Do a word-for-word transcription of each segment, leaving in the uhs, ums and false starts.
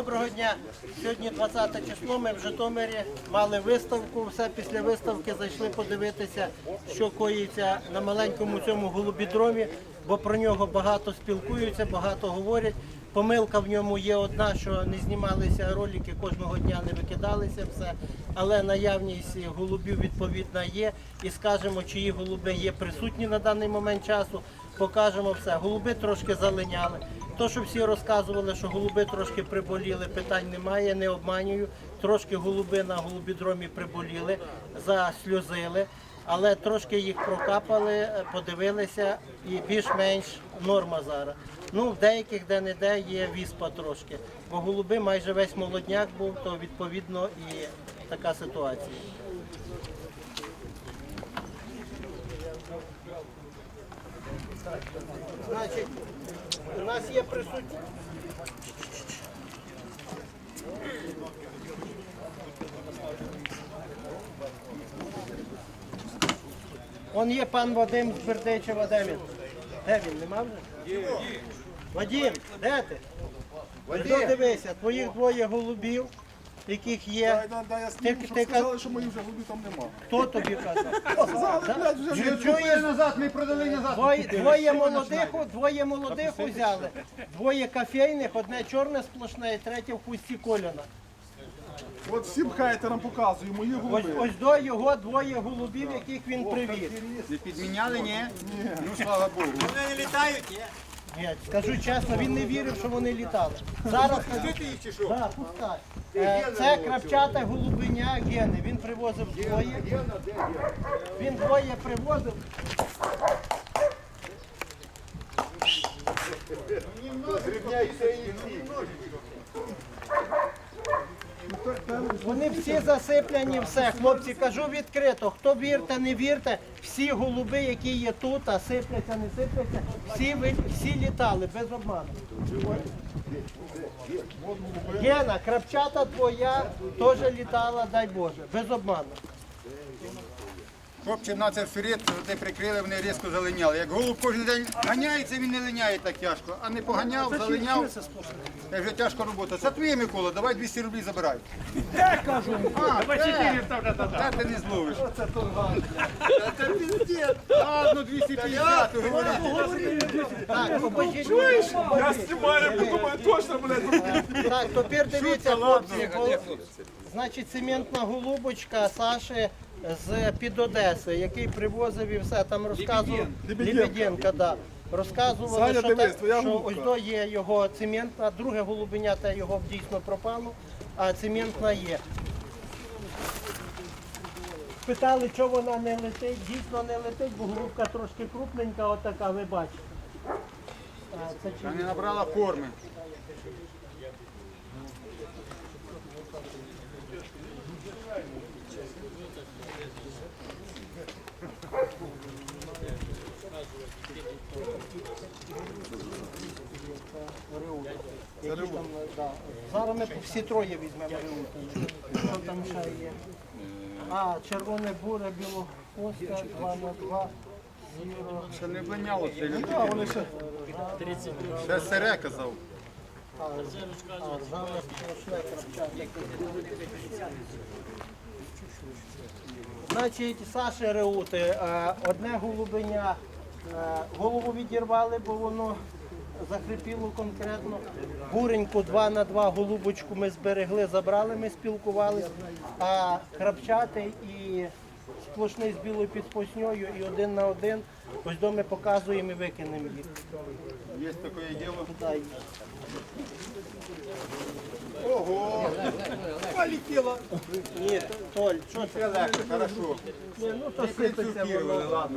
Доброго дня. Сьогодні двадцяте число, ми в Житомирі мали виставку. Все після виставки зайшли подивитися, що коїться на маленькому цьому голубідромі, бо про нього багато спілкуються, багато говорять. Помилка в ньому є одна, що не знімалися ролики, кожного дня не викидалися все, але наявність голубів відповідна є. І скажемо, чиї голуби є присутні на даний момент часу, покажемо все. Голуби трошки залиняли. То, що всі розказували, що голуби трошки приболіли, питань немає, не обманюю. Трошки голуби на голубідромі приболіли, засльозили, але трошки їх прокапали, подивилися і більш-менш норма зараз. Ну, в деяких де-не-де є віспа трошки, бо голуби майже весь молодняк був, то відповідно і така ситуація. Значить, у нас є присутні. Он є пан Вадим з Бердичева, де він? Де він, нема вже? Є, є. Вадим, де ти? Вадим, дивися, твоїх двоє голубів, яких є. Дай, дай, я Ти- сніму, щоб ти сказали, що моїх вже голубів там нема. Хто тобі казав? Сказали, блядь, вже Чи- не чуєш? назад, ми продали назад. Двоє, двоє молодих, двоє молодих взяли, двоє кофейних, одне чорне сплошне і третє в хусті Коляна. От всім хайтерам показую, мої Ось, голуби. ось до його двоє голубів, яких він привіз. Не підміняли, ні? Ну, слава Богу. Вони не літають, ні? Ні, скажу чесно, він не вірив, що вони літали. Зараз Пустити їх чи що? да, пускай. Е, Це крапчата голубиня Гени. Він привозив двоє. Він двоє привозив. Вони всі засиплені, все. Хлопці, кажу відкрито, хто вірте, не вірте, всі голуби, які є тут, а сипляться, не сипляться, всі, ви- всі літали, без обману. Гена, крапчата твоя теж літала, дай Боже, без обману. Хлопці на це вперед, де прикрили, вони різко залиняли. Як голуб кожен день ганяється, він не линяє так тяжко. А не поганяв, залиняв. Це вже тяжка робота. Це твоє, Микола, давай двісті рублів забирай. Де кажу? А, це ти не зловиш. Це піздець. Ладно, двісті п'ятдесят, говоріть. Так, покажіть. Я знімаю, бо думаю, точно, блядь. Так, тепер дивіться, хлопці. гол- Значить, цементна голубочка Саші з під Одеси, який привозив і все, там розказував. Лебеденка, да. Розказували, Саня, що, дивись, та- твоя що голубка. ось до є його цементна, друге голубеня та його дійсно пропало, а цементна є. Питали, чого вона не летить. Дійсно не летить, бо голубка трошки крупненька, отака, ви бачите. А, це чи- Вона не набрала форми. Які там, да. Зараз ми всі троє візьмемо рюмки. Що там ще є? А, червоне буре, білохвостка, два на два, зіро. Це не блиняло це. А, вони ще. Ще сере казав. А, зараз сплошне крапчатка. Значить, Саші Реути, е, одне голубеня, е, голову відірвали, бо воно захрипіло конкретно. Буреньку два на два голубочку ми зберегли, забрали, ми спілкувалися. А крапчатий і сплошний з білою підпосньою і один на один. Ось до ми показуємо і викинемо їх. Є таке діло. Дай. Ого! Полетіло. Ні, Толь, що Це легко, хорошо. Ні, ну то сипеться воно. Ладно.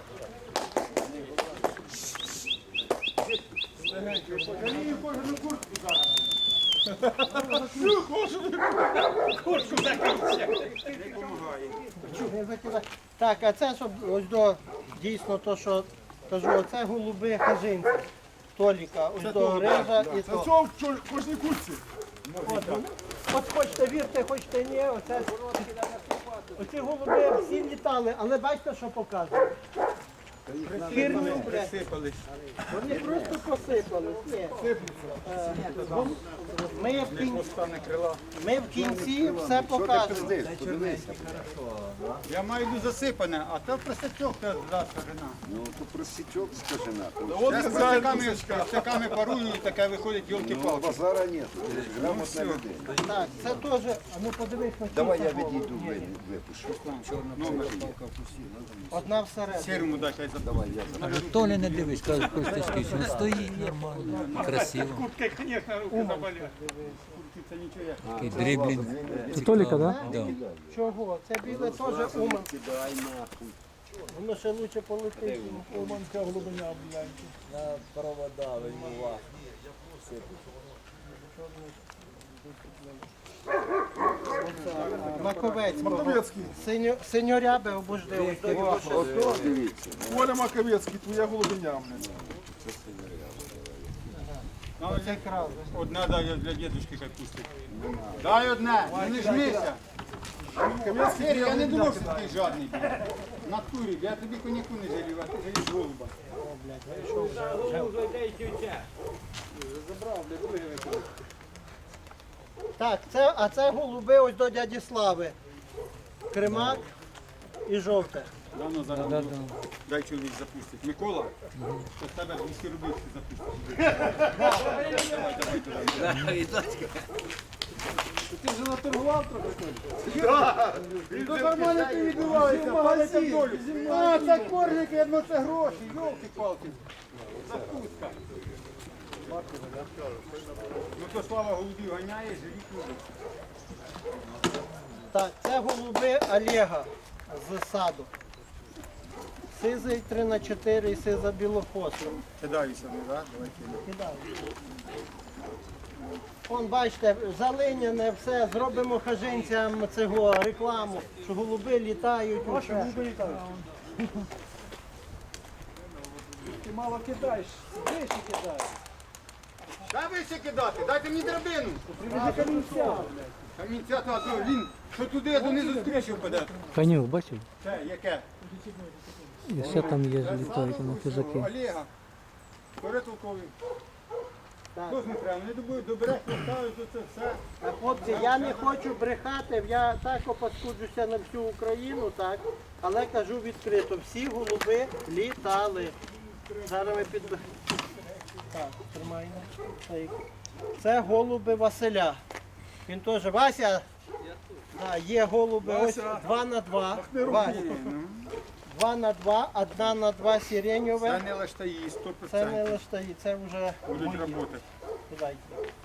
Не закидай. Так, а це щоб ось до дійсно то, що кажу, оце голуби хажинці. Толіка, ось до рижа і Це то. цього в чо- кожній курці. От, от хочете вірте, хочете ні, оце. Оці голуби всі літали, але бачите, що показує? Хірню, блядь. Присипались. Вони просто посипались. Ні. Е, гол- Ми в кінці, Стане крила. ми в кінці все покажемо. Я маю йду засипане, а то просячок та зразу жена. Ну, то просічок, скажи на. Вот Я з хазяїн просяками, кусочка. просяками парую, і таке виходить Ну, йолки-палки. базара нет. Грамотна людина. Так, це теж, а ну подивись на Давай цю я голову. відійду, ви- випишу. Номер є. Одна всередині. Сірому дай хай забрати. Давай я заберу. Каже, Толя не дивись, каже, Костя він стоїть нормально, красиво. Куртка, звісно, руки заболять. Це нічого як. Такий дриблінг. Це Толіка, да? Да. Чого? Це біле теж уман. Дай нахуй. Воно ще лучше полетить. Уманська глибиня, блядь. Маковецького. Маковецький. Синьо, синьорябе обожди. Ото дивіться. Коля Маковецький, твоя голубиня, блядь. Ну, це одне дай для дідушки хай пустить. Дай одне, не жмися. Сергій, я не думав, що ти жадний. блін. В натурі, я тобі коньяку не жалів, а ти жалієш голуба. Так, це, а це голуби ось до дяді Слави. Кремак і жовте. Давно зараз буду. Дай чоловік запустить. Микола, то з тебе двісті рублів запустить. Ти вже наторгував трохи? То нормально ти відбуваєшся, падайте в долю. А, це коржики, я думаю, це гроші, йолки-палки. Запустка. Ну то слава голубів ганяє, живіть люди. Так, це голуби Олега з саду. Сизий три на чотири і сиза білохвоста. Кидаюся, не так? Давай кидай. Кидаю. Вон, бачите, залиняне все, зробимо хажинцям цього рекламу, що голуби літають. Ваші голуби літають. Ти мало кидаєш, вище кидаєш. Дай вище кидати, дайте мені драбину. Камінця. Камінця, та, то він, що туди, донизу з криші впаде. Конюк, бачив? Це, яке? І ще там є, літають на хижаки. Олега. Перетолковий. Так. Хто ж не треба? Не добу- добере, поставить, то це все. А, хлопці, я не хочу брехати, я так опаскуджуся на всю Україну, так, але кажу відкрито, всі голуби літали. Зараз ми під... Так, тримаємо. Так. Це голуби Василя. Він теж, Вася, да, є голуби ось два на два. Вася. Два на два, одна на два Це сиреньове. не лаштаї, сто Це не процентів. лиштаї, це вже Будуть мої. працювати. Кидайте.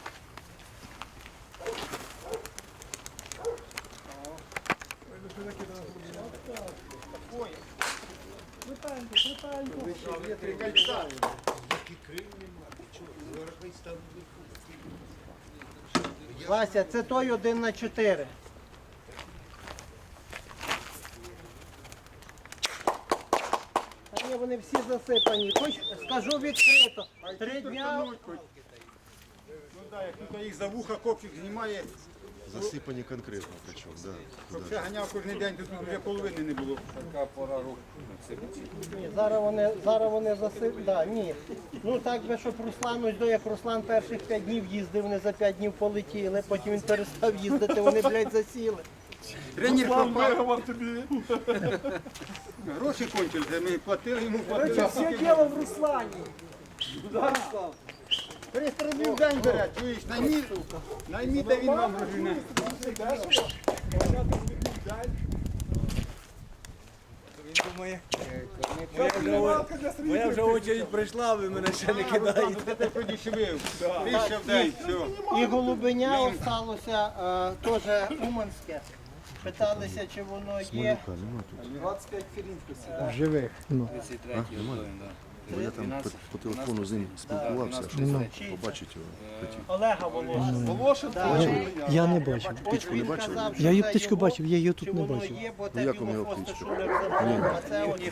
Вася, це той один на чотири. Та ні, вони всі засипані. Хоч скажу відкрито. Три дня. Ну так, як тут їх за вуха копчик знімає, Засипані конкретно причому, да. щоб все ганяв кожен день, то тут вже половини не було. Така пора року. Ні, зараз вони, зараз вони засип... Да, ні. Ну так би, щоб Руслан, ось до як Руслан перших п'ять днів їздив, вони за п'ять днів полетіли, потім він перестав їздити, вони, блядь, засіли. Тренер План пропав, виговор тобі. гроші кончилися, ми платили йому, платили. Все діло в Руслані. триста рублів в день бере, чуєш, наймі, наймі, де він вам гроші. Моя вже очередь прийшла, ви мене ще не Це ти подішевив, тисяча в день, все. І голубеня осталося е, теж уманське. Питалися, чи воно є. Живих. Ну. Бо я там по, по телефону з ним спілкувався, що побачить його хотів. Олега Волошина. Волошин, Я не бачив. Птичку не бачили? Казав, що Я її це птичку його, бачив, я її чи тут не воно бачив. є, бо Ну, те як вам його білохвосте птичка? шулер забрав, а це от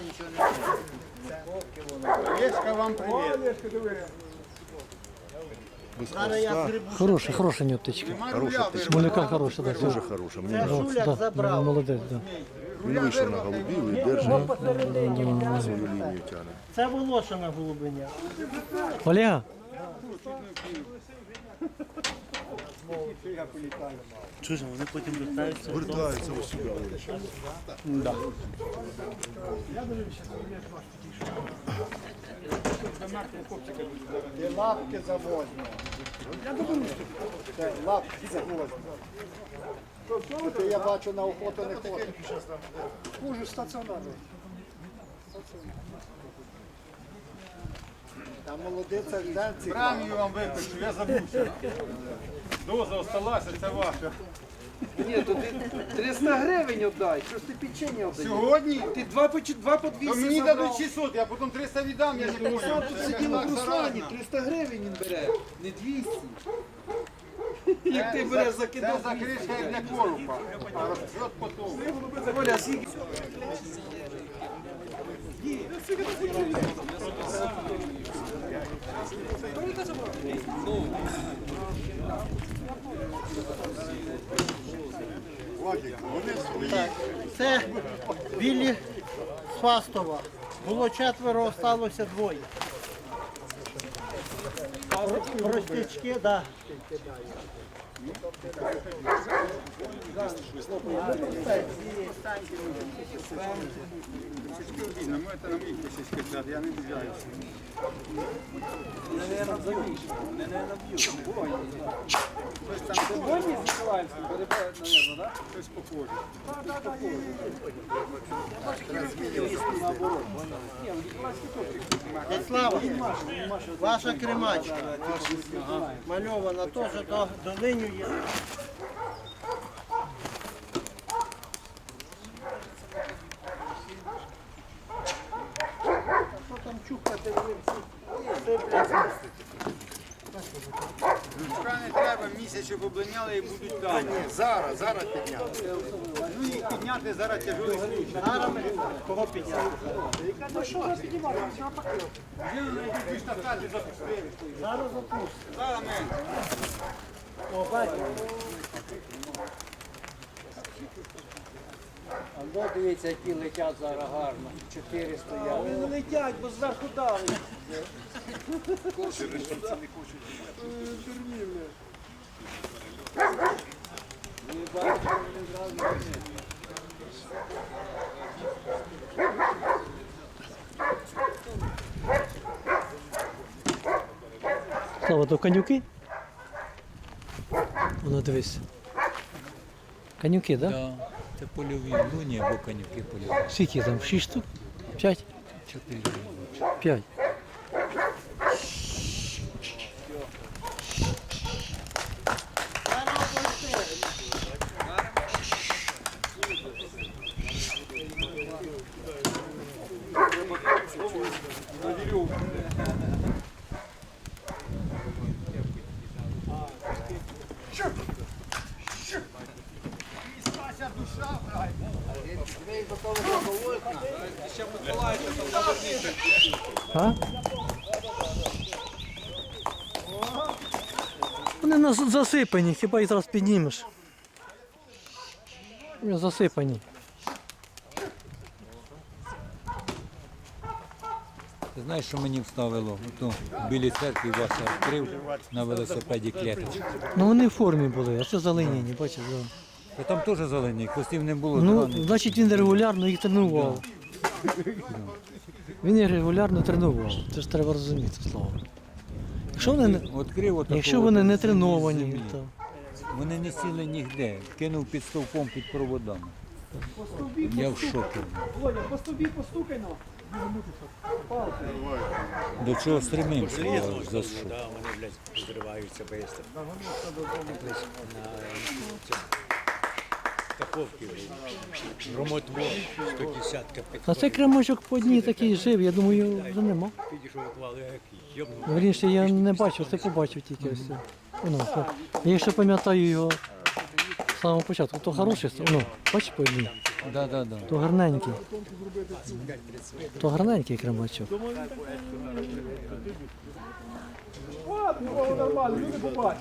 Олешка, вам привіт. зараз я згребу. Хороша, хороша у нього птичка. Нема Хороша руля, птичка. Смолюка хороша, так. Дуже хороша. Мені Це нравиться. шуляк Да, забрав. молодець, да. Він вийшов на голубів і держить свою лінію тягне. Це Волошина голубиня. Олега, Чужі, вони потім вертаються. Вертаються ось сюди. Ти лапки завозьмо. Це лапки завозьмо. Ти, я бачу, на охоту не ходиш. Хуже стаціонарний. Там молодиця жденці. Премію вам випишу, я забувся. Доза осталася, це ваша. Ні, то ти триста гривень віддай, що ж ти печення віддаєш? Сьогодні? Ти два по, чи- два по То двісті мені забрав. дадуть шістсот, я потім триста віддам, я не Сам понял. тут Це сиділо так в Руслані, заразно. триста гривень він бере, не двісті. Як ти Це- береш Це закидав закришка як для корупа, а розчет потім. Оля, скільки? Це білі з Фастова. Було четверо, осталося двоє. Простячки, так. Да. Ну, це на моїх посічках, я не дивляюся. Щось похоже. Слава, ваша кремачка. Мальована теж до долинює. Що там чухати? Жучка не треба, місяць, щоб облиняли і будуть дані. Зараз, зараз підняти. Ну їх підняти зараз тяжелий случай. Зараз ми кого підняти? Вже на якісь штафети запустили. Зараз запустимо. Зараз ми. О, бачите. А ну дивіться, які летять зараз гарно. Чотири стоять. Вони не летять, бо зверху дали. Слава, то конюки? Воно дивись. Конюки, так? Да? Да. Це польові луні або конюки польові. Скільки там? Шість штук? П'ять? Чотири. П'ять. А? Вони нас засипані, хіба їх зараз піднімеш. Вони засипані. Ти знаєш, що мені вставило? Ото в білій церкві Вася відкрив на велосипеді клеточку. Ну вони в формі були, а це залиняні, бачиш. Да. Та там теж зелені, хвостів не було. Ну, зелених. значить він регулярно їх тренував. Він їх регулярно тренував. Це ж треба розуміти, Слава. Якщо вони, не- Відкрив отаку якщо от вони не землі. треновані, то Вони не сіли нігде, кинув під стовпом під проводами. Я в шокі. Оля, по тобі постукай на. До чого стремимося, я за що. Да, вони, блядь, взриваються швидко. На Каховці, Ромотво, сто десятка а цей кремочок по одній такий жив, я думаю, його вже нема. підійшов, клали, як йобнув. Вірніше, я не бачив, це побачив тільки ось. Воно, то- я ще пам'ятаю його з самого початку. То хороший, ну, бачиш по одній, Да, да, да. то гарненький. То гарненький кремачок. Ну, нормально, люди побачать.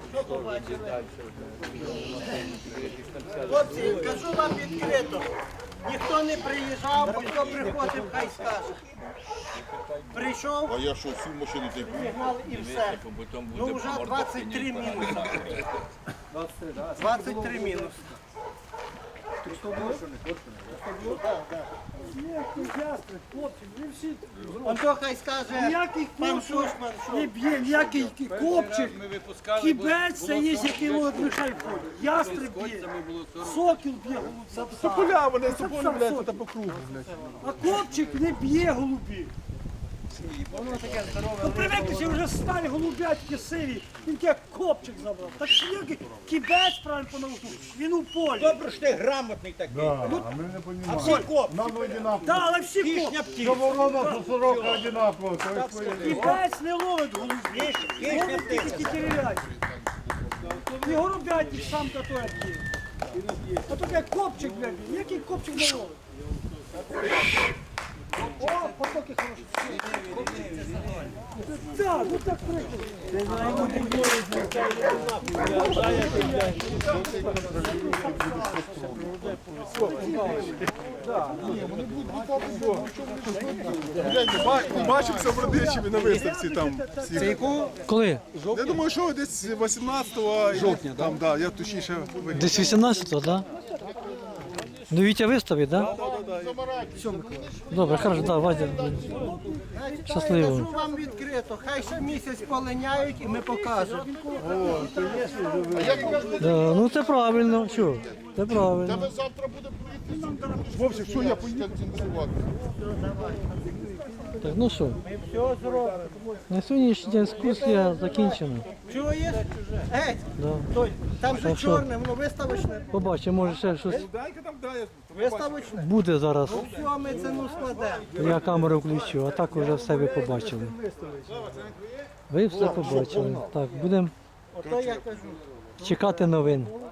Хлопці, кажу вам відкрито, ніхто не приїжджав, бо хто приходив, хай скаже. Прийшов, А я що, всю машину ти пригнали і все. Ну вже двадцять три мінуси. двадцять три мінуси. Он то хай скаже, Ніякий пан копчик Шушман, не що б'є, ніякий копчик. Кібець це є, який от Михайло ходить. Ястреб б'є, сокіл б'є голубця. Тополя, вони тополя, блядь, тут по кругу, блядь. А копчик не б'є голубів. Ну привикли, вже старі голубятки сиві, він як копчик забрав. Так що як кібець правильно по науку, він у полі. Добре, що ти грамотний такий. А ми не розуміємо. А всі копчик. Нам одинаково. Так, але всі копчик. Що ворона, що сорока одинаково. то є своє. Кібець не ловить голубів, ловить тільки дерев'яті. І голубятник сам та той б'є. А тут як копчик, блядь, який копчик не ловить. О, потоки хороші. Так, ну так прикольно. Бачимося в Родичеві на виставці там. всі. Коли? Я думаю, що десь вісімнадцятого жовтня. Там, да, я точніше вигляд. Десь вісімнадцятого, так? Ну Вітя виставить, так? Добре, хорошо, так, Вадя. Щасливо. кажу вам відкрито, хай ще місяць полиняють і ми покажемо. Да, ну це правильно, що? Це правильно. Вовсі, що я поїду? Так, ну що, Все зробимо. на сьогоднішній день екскурсія закінчена. Чуєш? Геть, Да. той, там же Так що? чорне, воно виставочне. Побачимо, може ще щось Дай-ка там, дай. Виставочне. буде зараз. Все, ми це ну складемо. Я камеру включу, а так вже все ви побачили. Ви все побачили. Так, будемо Ото я кажу. чекати новин.